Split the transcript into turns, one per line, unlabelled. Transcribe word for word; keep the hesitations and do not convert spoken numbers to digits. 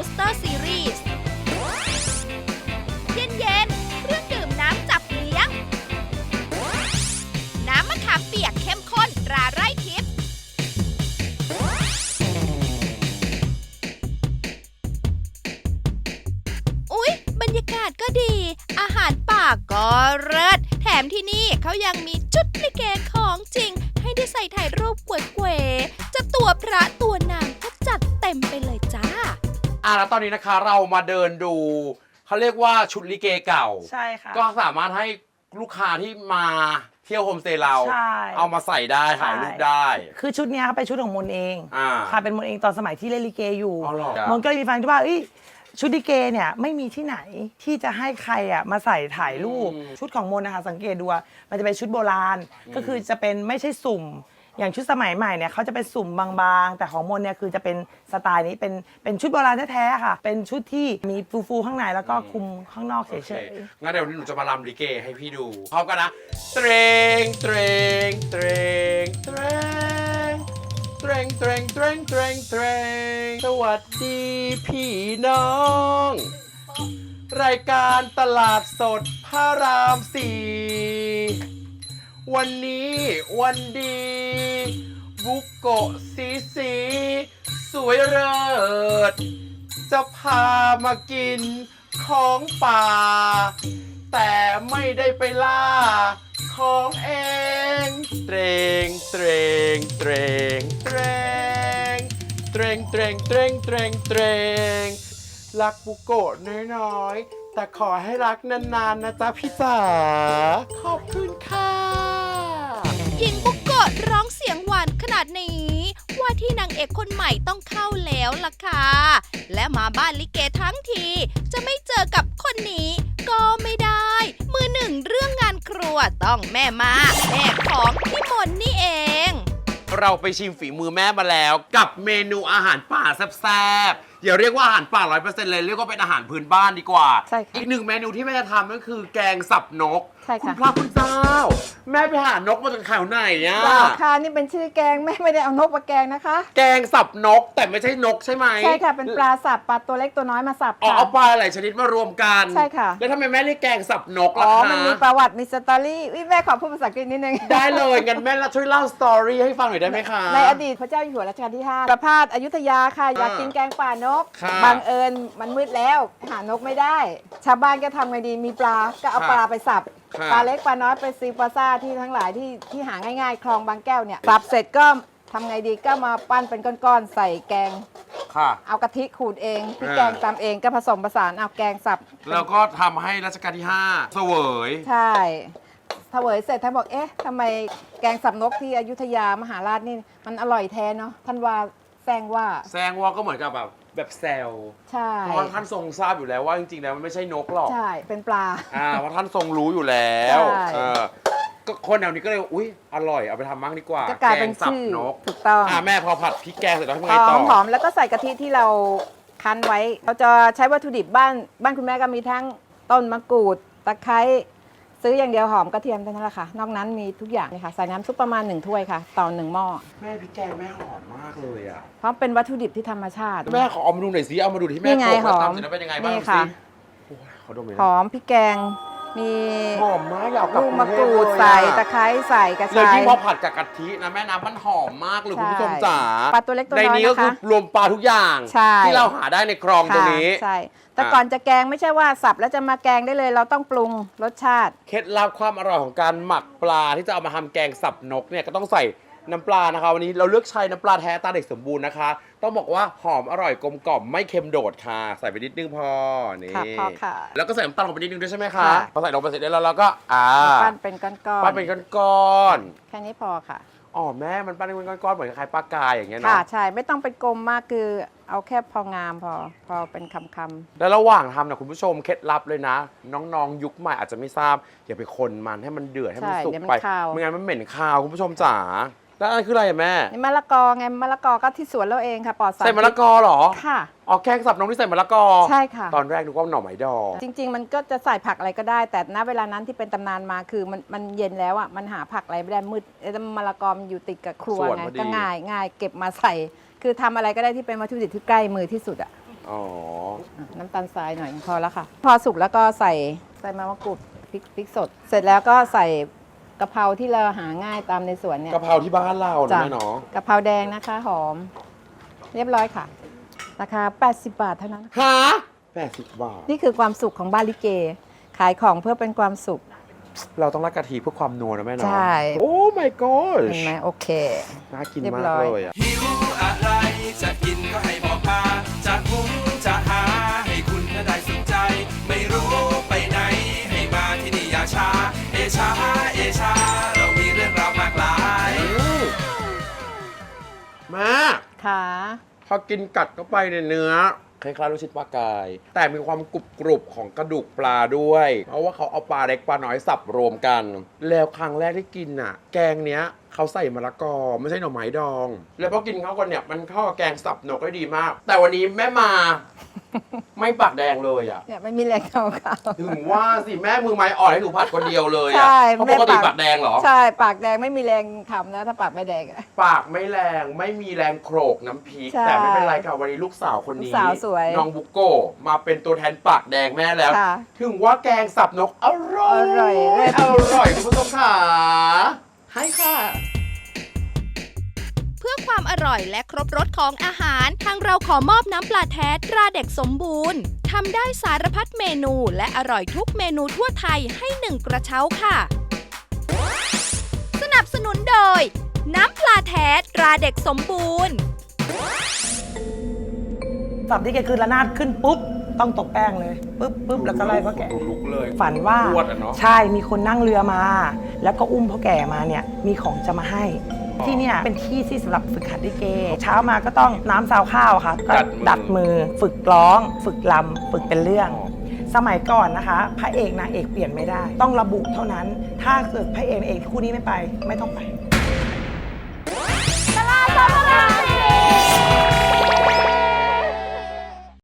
Coaster Series เย็นๆเครื่องดื่มน้ำจับเลี้ยง น้ำมะขามเปียกเข้มข้นตราไร่ทิพย์อุ๊ยบรรยากาศก็ดี อาหารป่าก็เลิศแถมที่นี่เขายังมีชุดลิเกของจริง ให้ได้ใส่ถ่ายรูปเก๋ๆจะตัวพระตัวนางก็จัดเต็มไปเลยจ้า
อ่ะแล้วตอนนี้นะคะเรามาเดินดูเขาเรียกว่าชุดลิเกเก่า
ใช่ค่ะ
ก็สามารถให้ลูกค้าที่มาเที่ยวโฮมสเตย์เราเอามาใส่ได้ถ่ายรูปได้
คือชุดนี้เป็นชุดของมนเองค่ะเป็นมนเองตอนสมัยที่เล่นลิเกอยู่มนก็เลยมีฟังที่ว่าชุดลิเกเนี่ยไม่มีที่ไหนที่จะให้ใครอ่ะมาใส่ถ่ายรูปชุดของมนนะคะสังเกตดูมันจะเป็นชุดโบราณก็คือจะเป็นไม่ใช่สุ่มอย่างชุดสมัยใหม่เนี่ยเขาจะเป็นสุ่มบางๆแต่ของมนเนี่ยคือจะเป็นสไตล์นี้เป็นเป็นชุดโบราณแท้ๆค่ะเป็นชุดที่มีฟูๆข้างในแล้วก็คลุมข้างนอกเฉย
ๆงั้นเดี๋ยวหนูจะมาลำลิเกให้พี่ดูพร้อมกันนะเตรง เตรง เตรง เตรง เตรง เตรง เตรง เตรง เตรงสวัสดีพี่น้องรายการตลาดสดพระรามสี่วันนี้วันดีบุกโกะสีสีสวยเลิศจะพามากินของป่าแต่ไม่ได้ไปล่าของเองเตรงเตรงเตรงเตรงเตรงเตรงเตรงเตรงเตรงรักบุกโกะน้อยๆแต่ขอให้รักนานๆนะจ๊ะพี่จ๋าขอบคุณค่ะ
หญิงบุกโกะร้องเสียงหวานขนาดนี้ว่าที่นางเอกคนใหม่ต้องเข้าแล้วล่ะค่ะและมาบ้านลิเกทั้งทีจะไม่เจอกับคนนี้ก็ไม่ได้มือหนึ่งเรื่องงานครัวต้องแม่มาแม่ของพี่มนนี่เอง
เราไปชิมฝีมือแม่มาแล้วกับเมนูอาหารป่าแซ่บๆอย่าเรียกว่าอาหารป่า ร้อยเปอร์เซ็นต์ เลยเรียกว่าเป็นอาหารพื้นบ้านดีกว่า
ใช่ค่ะ
อีกหนึ่งเมนูที่แม่จะทำก็คือแกงสับนก
ใช่ค่ะ
คุณพระคุณเจ้าแม่ไปหานกมาจากแถวไหนอ่ะ
ค่ะนี่เป็นชื่อแกงแม่ไม่ได้เอานกมาแกงนะคะ
แกงสับนกแต่ไม่ใช่นกใช่ไหม
ใช่ค่ะเป็นปลาสับปลาตัวเล็กตัวน้อยมาสับค่ะ
เอาปลาหลายชนิดมารวมกัน
ใช่ค่ะ
แล้วทำไมแม่เรียกแกงสับนกล่ะคะ
อ๋อมันมีประวัติมีสตอรี่วิแม่ขอพูดภาษาอังกฤษนิดนึง
ได้เลยงั้นแม่ช่วยเล่าสตอรี่ให้ฟังหน่อยได้ไหมคะ
ในอดีตพระเจ้าอยู่หัวรัชกาลที่ห้าประพาสอยุธยาค่ะอยากกินแกงป่านกบังเอิญมันมืดแล้วหานกไม่ได้ชาวบ้านก็ทำไงดีมีปลาก็เอาปลาไปสับปลาเล็กปลาน้อยไปซีปลาซ่าที่ทั้งหลายที่ที่หาง่ายๆคลองบางแก้วเนี่ยสับเสร็จก็ทำไงดีก็มาปั้นเป็นก้อนๆใส่แกงเอากะทิขูดเองพี่แกงตำเองก็ผสมผสานเอาแกงสับ
แล้วก็ทำให้รัชกาลที่ห้าเสวย
ใช่เสวยเสร็จท่านบอกเอ๊ะทำไมแกงสับนกที่อยุธยามหาราชนี่มันอร่อยแท้เนาะท่านว่าแซงว่า
แซงว่าก็เหมือนกับแบบแบบแซว
ใช่
เพราะท่านทรงทราบอยู่แล้วว่าจริงๆแล้วมันไม่ใช่นกหรอก
ใช่เป็นปลา
อ่าเพราะท่านทรงรู้อยู่แล้วเออก็คนแถวนี้ก็เลยอุ้ยอร่อยเอาไปทำมั่งดีกว่า
ก็กลายเป็นชื่อนกถูกต้อง
อ่าแม่พอผัดพริกแกงเสร็จแล้วทำไงต่อ
หอมแล้วก็ใส่กะทิที่เราคั้นไว้เราจะใช้วัตถุดิบบ้านบ้านคุณแม่ก็มีทั้งต้นมะกรูดตะไคร้ซื้ออย่างเดียวหอมกระเทียมเท่านั้นแหละค่ะนอกนั้นมีทุกอย่างเลยค่ะใส่น้ำซุปประมาณหนึ่งถ้วยค่ะต่อหนึ่งหม้อ
แม่พริกแกงแม่หอมมากเลยอ่ะ
เพราะเป็นวัตถุดิบที่ธรรมชาติ
แม่ขอเอามาดูหน่อยสิเอามาดูที่แม่โขลกแล้วทำเสร็จแล้วเป็นยังไงบ้างสิ
หอมพริกแกงมี
หอมมากอยากกับ
ลูกมะกรูดใส่ตะไคร้ใส่กระชาย
เลยที่พอผัดกับกะทินะแม่น้ำมันหอมมากเลยคุณผู้ชมจ๋า
ปลาตัวเล็กตัวน้อยนะคะ
ในนี้ก็คือรวมปลาทุกอย่างที่เราหาได้ในคลองตรงนี้
ใช่แต่ก่อนจะแกงไม่ใช่ว่าสับแล้วจะมาแกงได้เลยเราต้องปรุงรสชาติ
เคล็ดลับความอร่อยของการหมักปลาที่จะเอามาทำแกงสับนกเนี่ยก็ต้องใส่น้ำปลานะคะวันนี้เราเลือกใช้น้ำปลาแท้ตาเด็กสมบูรณ์นะคะต้องบอกว่าหอมอร่อยกลมกล่อมไม่เค็มโดดค่ะใส่ไปนิดนึงพอนี่
พอค่ะ
แล้วก็ใส่น้ำตาลลงไปนิดนึงด้วยใช่ไหมคะพอใส่ลงไปเสร็จแล้วเราก็อ่า
ปั้นเป็นก้อนๆ
ปั้นเป็นก้อน
ๆแค่นี้พอค่ะ
อ๋อแม่มันปั้นเป็นก้อนๆเหมือนคล้ายปลากายอย่างเงี้ยเนาะ
ค่ะใช่ไม่ต้องเป็นกลมมากคือเอาแค่พองามพอพอเป็นคำๆ
แล้วระหว่างทำนะคุณผู้ชมเคล็ดลับเลยนะน้องๆยุคใหม่อาจจะไม่ทราบอย่าไปคนมันให้มันเดือดให้มันสุกไปไม่งั้นมันเหม็นคาวคุณผู้ชมจ๋าแล้วอันคืออะไรแม่
นี่มะละกอไงมะละกอก็ที่สวนเราเองค่ะปลอดสาร
ใส่มะละกอเหรอ
ค่ะ
อ๋อแกงสับนกที่ใส่มะละกอ
ใช่ค่ะ
ตอนแรกนึกว่าหน่อไม้ดอง
จริงๆมันก็จะใส่ผักอะไรก็ได้แต่ณเวลานั้นที่เป็นตำนานมาคือมันมันเย็นแล้วอ่ะมันหาผักอะไรไม่ได้มืดแล้วมะละกอมันอยู่ติดกับครัวไงก็ง่ายง่ายเก็บมาใส่คือทำอะไรก็ได้ที่เป็นวัตถุดิบที่ใกล้มือที่สุดอ่ะ
อ๋อ
น้ำตาลทรายหน่อยพอแล้วค่ะ พอสุกแล้วก็ใส่ใส่มะมะกรูดพริกพริกสด เสร็จแล้วก็ใส่กะเพราที่เราหาง่ายตามในสวนเนี่ย
กะเพราที่บ้านเรา
จ้ะ
แม่เนาะ
กะเพราแดงนะคะ หอม เรียบร้อยค่ะ ราคา แปดสิบบาทเท่านั้น
ฮะแปดสิบบาท
นี่คือความสุขของบ้านลิเก ขายของเพื่อเป็นความสุข
เราต้องรักกะทิเพื่อความนัวนะแม่เนาะ
ใช่
โอ้ my god
เห็นไหมโอเค
น่ากิน
เรียบ
มาก
ร้อย
เลยอ่ะ
หิวอะไรจะกินก็ให้บอกมา จะหุงจะหาให้คุณน่ะได้สนใจ ไม่รู้ไปไหนให้มาที่นี่อย่าช้า เอชาเอชาเรามีเรื่องราวมากมาย
มา
ค่ะ
พอกินกัดเข้าไปในเนื้อคล้ายๆลูกชิ้นปลากาย แต่มีความกรุบกรุบของกระดูกปลาด้วย เพราะว่าเขาเอาปลาเล็กปลาน้อยสับรวมกัน แล้วครั้งแรกที่กินน่ะ แกงเนี้ยเขาใส่มะละกอไม่ใช่หน่อไม้ดอง แล้วพอกินเข้ากันเนี่ยมันเข้ากับแกงสับนกได้ดีมาก แต่วันนี้แม่มา ไม่ปากแดงเลยอ่ะ
เนี่ยไม่มีแรงเข้าเขา
ถึงว่าสิแม่มือไม้อ่อนให้หนูผัดคนเดียวเลย
ใช่
อ่ะเพราะปกติปากแดงเหรอ
ใช่ ปากแดงไม่มีแรงทำนะ ถ้าปากไม่แดงอะ
ปากไม่แรงไม่มีแรงโขลกน้ำพริก
ใช่
แต่ไม่เป็นไรค่ะวันนี้ลูกสาวคนนี้
ลูกสาวสวย
น้องบุกโกะมาเป็นตัวแทนปากแดงแม่แล้ว
ค่ะ
ถึงว่าแกงสับนกอร่อย
อร่อยเลย
อร่อยคุณผู้ชมค่ะให้ค่ะ
เพื่อความอร่อยและครบรสของอาหาร ทางเราขอมอบน้ำปลาแท้ตราเด็กสมบูรณ์ทำได้สารพัดเมนูและอร่อยทุกเมนูทั่วไทยให้หนึ่งกระเช้าค่ะ สนับสนุนโดย น้ำปลาแท้ตราเด็กสมบูรณ์
สับที่แกคือระนาดขึ้นปุ๊บ ต้องตกแป้งเลยปุ๊บปุ๊บแล้วก็ไล่พ่อแก่
ดูลุกเลย
ฝันว่า
พรวดอะเนาะ
ใช่มีคนนั่งเรือมา แล้วก็อุ้มพ่อแก่มาเนี่ยมีของจะมาให้ ที่เนี่ยเป็นที่ที่สำหรับฝึกหัดลิเก เช้ามาก็ต้องน้ำซาวข้าวค่ะก็ดัดมือ ฝึกร้อง ฝึกลำฝึกเป็นเรื่อง สมัยก่อนนะคะ พระเอกนางเอกเปลี่ยนไม่ได้ ต้องระบุเท่านั้น ถ้าเกิดพระเอกนางเอกคู่นี้ไม่ไปไม่ต้องไป